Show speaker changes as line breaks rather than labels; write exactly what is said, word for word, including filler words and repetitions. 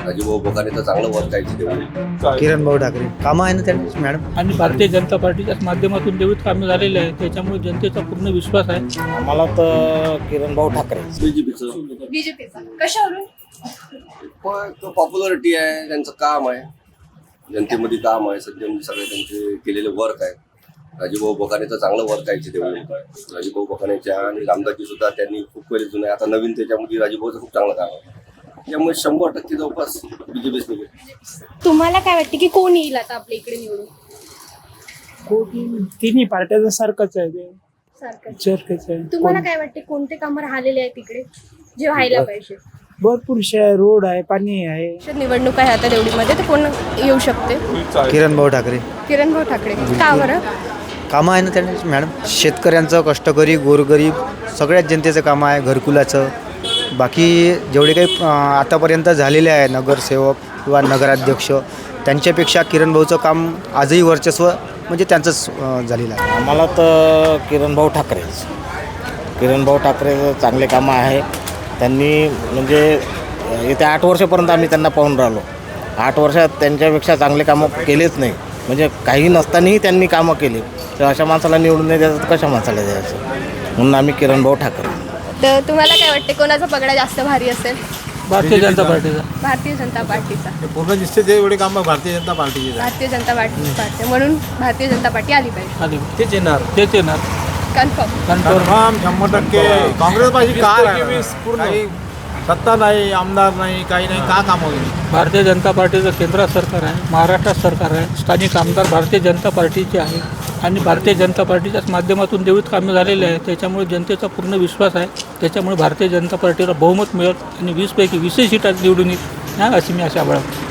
राजूभाऊ बोकाने तर चांगलं वर्क आहे तेवढे.
किरण भाऊ ठाकरे कामं आहे ना त्यांची मॅडम.
आणि भारतीय जनता पार्टीच्याच माध्यमातून देवीत कामे झालेले आहे, त्याच्यामुळे जनतेचा पूर्ण विश्वास आहे.
मला तर किरण भाऊ ठाकरे.
बीजेपीचं
बीजेपीचा कशावरून?
पण तो पॉप्युलरिटी आहे, त्यांचं काम आहे, जनतेमध्ये काम आहे, सध्या म्हणजे सगळे त्यांचे केलेले वर्क आहे. राजूभाऊ बोकाने तर चांगलं वर्क आहे तेवढे. राजूभाऊ बोकानेच्या आणि रामदासजी सुद्धा त्यांनी खूप पहिले जुने, आता नवीन त्याच्यामध्ये राजूभाऊचं खूप चांगलं काम आहे. त्यामुळे शंभर टक्के जवळपास बीजेपीच निघेल.
तुम्हाला काय वाटतं की कोण येईल आता आपल्या इकडे निवडून?
तिन्ही पार्ट्याचं सारखंच आहे ते,
सारखं.
सारखंच आहे.
तुम्हाला काय वाटते कोणते कामं राहिलेले आहेत तिकडे जे व्हायला पाहिजे?
भरपूर शे रोड आहे, पाणी आहे.
निवडणूक आहे आता देवडीमध्ये, तर कोण येऊ शकते?
किरण भाऊ ठाकरे
किरण भाऊ ठाकरे. का बरं?
कामं आहे ना त्यांची मॅडम. शेतकऱ्यांचं, कष्टकरी, गोरगरीब सगळ्याच जनतेचं कामं आहे. घरकुलाचं, बाकी जेवढे काही अं, आतापर्यंत झालेले आहे नगरसेवक किंवा नगराध्यक्ष, त्यांच्यापेक्षा किरण भाऊचं काम आजही वर्चस्व म्हणजे त्यांचंच अं, झालेलं आहे.
आम्हाला तर किरण भाऊ ठाकरेच. किरण भाऊ ठाकरे चांगले कामं आहे. त्यांनी म्हणजे येत्या आठ वर्षापर्यंत आम्ही त्यांना पाहून राहिलो. आठ वर्षात त्यांच्यापेक्षा चांगले कामं केलेच नाही. म्हणजे काही नसतानाही त्यांनी कामं केली. तर अशा माणसाला निवडून नाही द्यायचं तर कशा माणसाला द्यायचं, म्हणून आम्ही किरण भाऊ ठाकरे.
तर तुम्हाला काय वाटते कोणाचा पगडा जास्त भारी असेल?
भारतीय जनता पार्टीचा.
भारतीय जनता पार्टीचा.
पूर्ण दिसते ते एवढे काम भारतीय जनता पार्टीचे
भारतीय जनता पार्टी पार्टी म्हणून भारतीय जनता पार्टी आली पाहिजे.
आली
तेच येणार.
तेच येणार.
कन्फर्म.
कन्फर्म शंभर टक्के. काँग्रेस पाहिजे काय काही सत्ता नाही, आमदार नाही, काही नाही, का काम होईल.
भारतीय जनता पार्टीचं केंद्रात सरकार आहे, महाराष्ट्रात सरकार आहे, स्थानिक आमदार भारतीय जनता पार्टीचे आहे आणि भारतीय जनता पार्टीच्याच माध्यमातून देवीत कामे झालेले आहे, त्याच्यामुळे जनतेचा पूर्ण विश्वास आहे. त्याच्यामुळे भारतीय जनता पार्टीला बहुमत मिळेल आणि वीसपैकी वीसही सीटात निवडून येईल, हा अशी मी आशा बाळगतो.